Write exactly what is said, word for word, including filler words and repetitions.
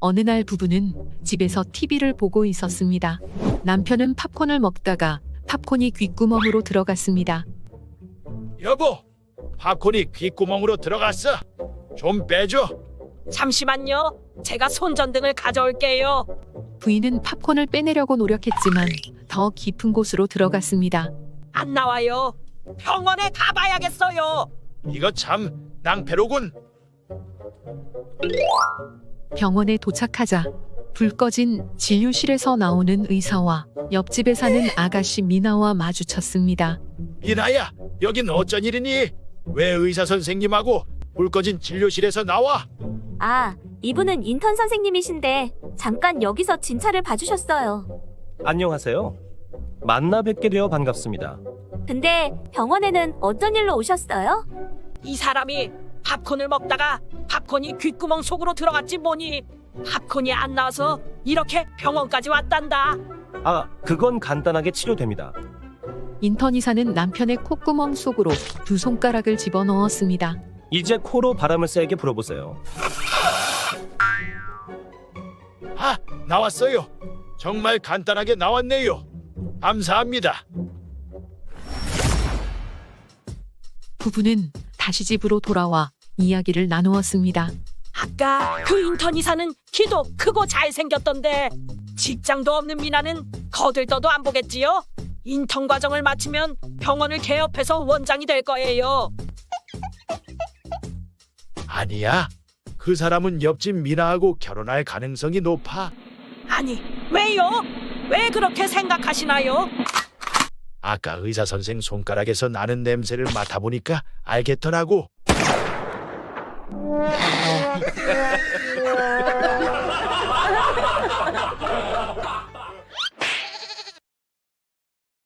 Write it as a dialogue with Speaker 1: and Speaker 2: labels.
Speaker 1: 어느 날 부부는 집에서 티비를 보고 있었습니다. 남편은 팝콘을 먹다가 팝콘이 귓구멍으로 들어갔습니다.
Speaker 2: 여보, 팝콘이 귓구멍으로 들어갔어. 좀 빼줘.
Speaker 3: 잠시만요. 제가 손전등을 가져올게요.
Speaker 1: 부인은 팝콘을 빼내려고 노력했지만 더 깊은 곳으로 들어갔습니다.
Speaker 3: 안 나와요. 병원에 가봐야겠어요.
Speaker 2: 이거 참 낭패로군.
Speaker 1: 병원에 도착하자 불 꺼진 진료실에서 나오는 의사와 옆집에 사는 아가씨 미나와 마주쳤습니다.
Speaker 2: 미나야, 여긴 어쩐 일이니? 왜 의사 선생님하고 불 꺼진 진료실에서 나와?
Speaker 4: 아, 이분은 인턴 선생님이신데 잠깐 여기서 진찰을 봐주셨어요.
Speaker 5: 안녕하세요. 만나 뵙게 되어 반갑습니다.
Speaker 4: 근데 병원에는 어떤 일로 오셨어요?
Speaker 3: 이 사람이 팝콘을 먹다가 팝콘이 귓구멍 속으로 들어갔지 뭐니. 팝콘이 안 나와서 이렇게 병원까지 왔단다.
Speaker 5: 아, 그건 간단하게 치료됩니다.
Speaker 1: 인턴 의사는 남편의 콧구멍 속으로 두 손가락을 집어넣었습니다.
Speaker 5: 이제 코로 바람을 세게 불어보세요.
Speaker 2: 아, 나왔어요. 정말 간단하게 나왔네요. 감사합니다.
Speaker 1: 부부는 다시 집으로 돌아와 이야기를 나누었습니다.
Speaker 3: 아까 그 인턴 이사는 키도 크고 잘생겼던데 직장도 없는 미나는 거들떠도 안 보겠지요? 인턴 과정을 마치면 병원을 개업해서 원장이 될 거예요.
Speaker 2: 아니야. 그 사람은 옆집 미나하고 결혼할 가능성이 높아.
Speaker 3: 아니, 왜요? 왜 그렇게 생각하시나요?
Speaker 2: 아까 의사 선생 손가락에서 나는 냄새를 맡아보니까 알겠더라고.